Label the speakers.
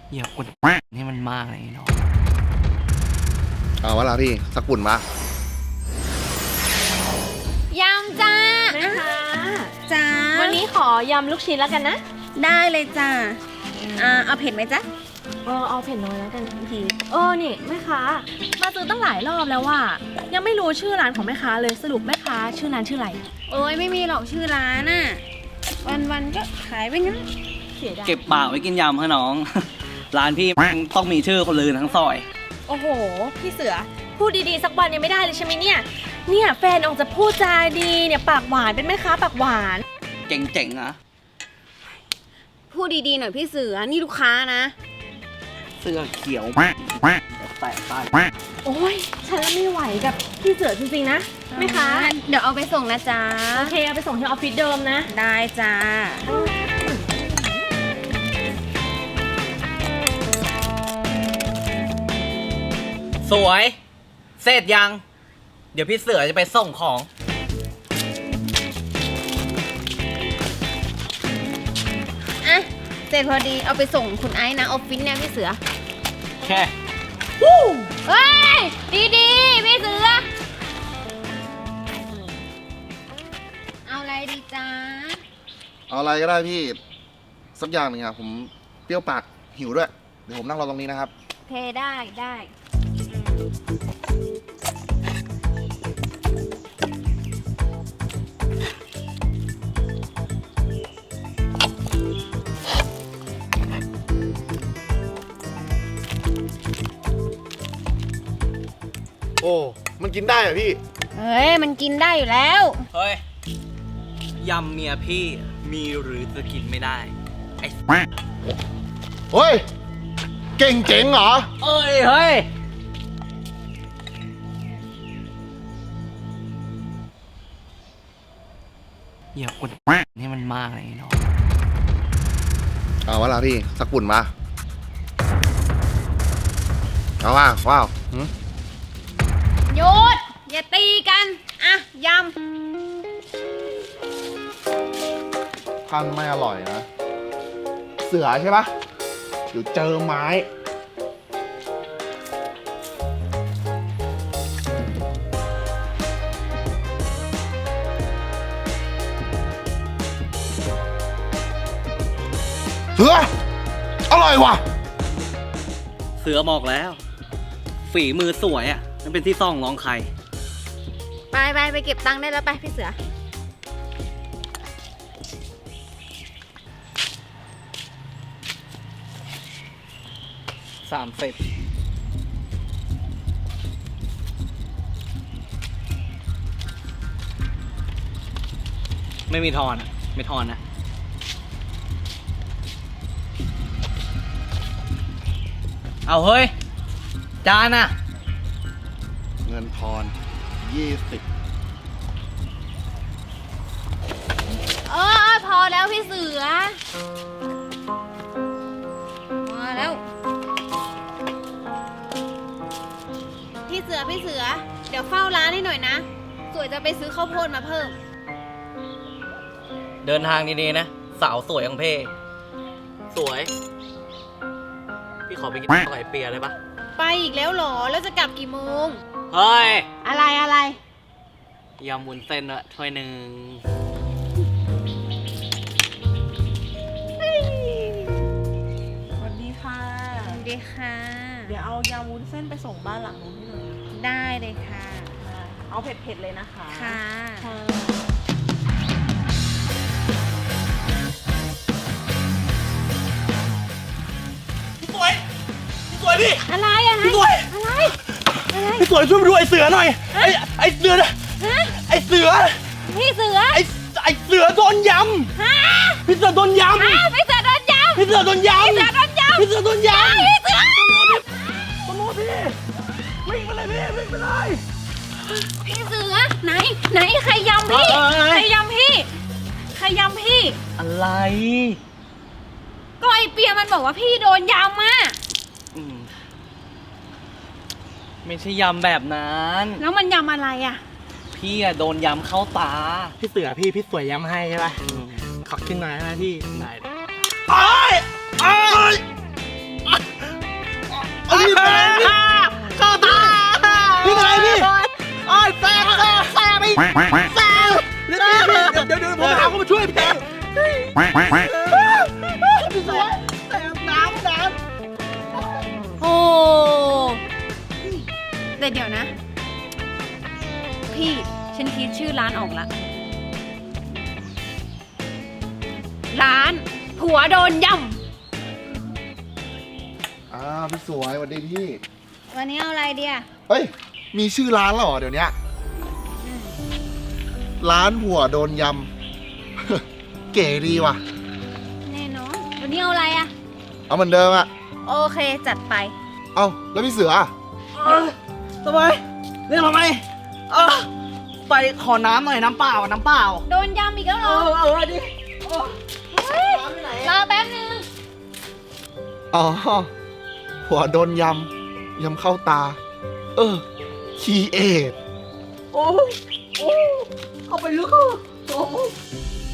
Speaker 1: อย่ากดให้มันมากเลยเนาะ
Speaker 2: เอาวะล่ะพี่สักปุ่นมาย
Speaker 3: ำจ้า
Speaker 4: แม่คะ
Speaker 3: จ้า
Speaker 4: วันนี้ขอยำลูกชิ้นแล้วกันนะ
Speaker 3: ได้เลยจ้าเอาเผ็ดไหมจ๊ะ
Speaker 4: เอาเผ็ดน้อยแล้วกันพี่นี่แม่ค้ามาซื้อตั้งหลายรอบแล้วว่ายังไม่รู้ชื่อร้านของแม่ค้าเลยสรุปแม่ค้าชื่อร้านชื่ออะไร
Speaker 3: โอ้ยไม่มีหรอกชื่อร้านน่ะวันๆก็ขายไปงั้น
Speaker 4: เสียดาย
Speaker 1: เก็บปากไว้กินยำให้น้อง ร้านพี่ต้องมีชื่อคนลือทั้งซอย
Speaker 4: โอ้โหพี่เสือพูดดีๆสักวันยังไม่ได้เลยใช่ไหมเนี่ยแฟนออกจะพูดจาดีเนี่ยปากหวานเป็นแม่ค้าปากหวาน
Speaker 1: เจ๋งๆนะ
Speaker 3: พูดดีๆหน่อยพี่เสือนี่ลูกค้านะ
Speaker 1: เสื้อเขียวแตกตาย
Speaker 4: โอ้ยฉันไม่ไหวกับพี่เสือจริงๆนะแม่ค้า
Speaker 3: เดี๋ยวเอาไปส่งนะจ๊ะ
Speaker 4: โอเคเอาไปส่งที่ออฟฟิศเดิมนะ
Speaker 3: ได้จ้า
Speaker 1: สวยเสร็จยัง เดี๋ยวพี่เสือจะไปส่งของ
Speaker 3: อ่ะเสร็จพอดีเอาไปส่งคุณไอ้นะออฟฟิศเนี่ยพี่เสือ
Speaker 1: แค่
Speaker 3: เฮ้ยดีๆพี่เสือเอาอะไรดีจ้า
Speaker 2: เอาอะไรก็ได้พี่สักอย่างหนึ่งครับผมเปรี้ยวปากหิวด้วยเดี๋ยวผมนั่งรอตรงนี้นะครับ
Speaker 3: โอเคได้
Speaker 2: โอ้มันกินได้เหรอพี่
Speaker 3: เฮ้ยมันกินได้อยู่แล้ว
Speaker 1: เฮ้ยยำเมียพี่มีหรือจะกินไม่ได้ไอ้
Speaker 2: เฮ้ยเก่งเจ๋งเหรอ
Speaker 1: เฮ้ยอย่ากดให้มันมากเลยเนาะ
Speaker 2: เอาวะล่ะพี่สักปุ่นมาเอาว่าว้าวหืม
Speaker 3: หยุดอย่าตีกันอ่ะย
Speaker 2: ท่านไม่อร่อยนะเสือใช่ปะเดี๋ยวเจอไม้เสืออร่อยว่ะ
Speaker 1: เสือบอกแล้ว ฝีมือสวยอ่ะมันเป็นที่ซ่องร้องใคร
Speaker 3: ำไปเก็บตังค์ได้แล้วไปพี่เสือ
Speaker 1: 30ไม่มีทอนอ่ะไม่ทอนนะเอาเฮ้ยจานอ่ะ
Speaker 2: เงินทอน20
Speaker 3: พอแล้วพี่เสือพอแล้วพี่เสือเดี๋ยวเฝ้าร้านให้หน่อยนะสวยจะไปซื้อข้าวโพดมาเพิ่ม
Speaker 1: เดินทางดีๆนะ สาวสวยของเพ่สวย พี่ขอไปกินไก่เปียได้ปะ
Speaker 3: ไปอีกแล้วเหรอแล้วจะกลับกี่โมง
Speaker 1: เฮ้ย
Speaker 3: อะไร
Speaker 1: ยำวุ้นเส้นอะถ้วยหนึ่ง
Speaker 4: สวัสดีค่ะ
Speaker 3: สวัสดีค่ะ
Speaker 4: เดี๋ยวเอายำวุ้นเส้นไปส่งบ้านหลังนู้นให้หน่อย
Speaker 3: ได้เลยค่ะ
Speaker 4: เอาเผ็ดๆเลยนะคะ
Speaker 3: ค่ะ
Speaker 4: ค่ะ
Speaker 1: พี่สวยพี่
Speaker 3: อะไร
Speaker 1: พี่สวย
Speaker 3: อะไร
Speaker 1: พี่สวยช่วยมาดูไอ้เสือหน่อย ไอ้เสือนะ
Speaker 3: ฮะ
Speaker 1: ไอ้เสือ
Speaker 3: พี่เสือ
Speaker 1: ไอ้เสือโดนย
Speaker 3: ฮะ
Speaker 1: ำพี่เสือโดนยำ
Speaker 3: พี่เสือโดนยำ
Speaker 1: พี่เสือโดนยำ
Speaker 3: พี่เสือโดนยำ
Speaker 1: พี่เสือโดนยำ
Speaker 3: พี่เสือ
Speaker 1: ตำรวจพี่วิ่งไปเลยพี่วิ่งไปเลย
Speaker 3: พี่เสือไหนใครยำพี่ ใครยำพี่ ใครยำพี่
Speaker 1: อะไร
Speaker 3: ก็ไอเปียมันบอกว่าพี่โดนยำอ่ะ
Speaker 1: อืมไม่ใช่ยำแบบนั้น
Speaker 3: แล้วมันยำอะไรอ่ะ
Speaker 1: พี่อะโดนยำเข้าตา
Speaker 5: พี่เสือพี่สวยย้ำให้ใช่ปะขอขึ้นหน่อยนะพี่
Speaker 1: ได้
Speaker 5: อ้ายอ้ายเดี๋ยวผมหาคนมาช่วยพี่พี่สวยแต่น้ำ
Speaker 3: โอ้แต่เดี๋ยวนะ พี่ฉันคิดชื่อร้านออกละร้านผัวโดนย่
Speaker 2: พี่สวยสวัสดีพี่
Speaker 3: ำวันนี้เอาอะไรเดีย
Speaker 2: เฮ้ย มีชื่อร้านแล้วเหรอเดี๋ยวนี้ร้านหัวโดนยำ เก๋ดีว่ะ
Speaker 3: แน่นอนวันนี้เอาอะไรอะ
Speaker 2: เอาเหมือนเดิมอะ
Speaker 3: โอเคจัดไป
Speaker 2: เอาแล้วพี่เสืออะ
Speaker 5: สบายเรียกทำไมไปขอน้ำหน่อยน้ำเปล่า
Speaker 3: โดนย่ำอีกแล้วเหรอ
Speaker 5: ดิ
Speaker 3: เฮ้ยรอแป๊บนึง
Speaker 2: อ๋อ หัวโดนยำเข้าตา คีเอท
Speaker 5: โอ้เข้าไปลึกโอ้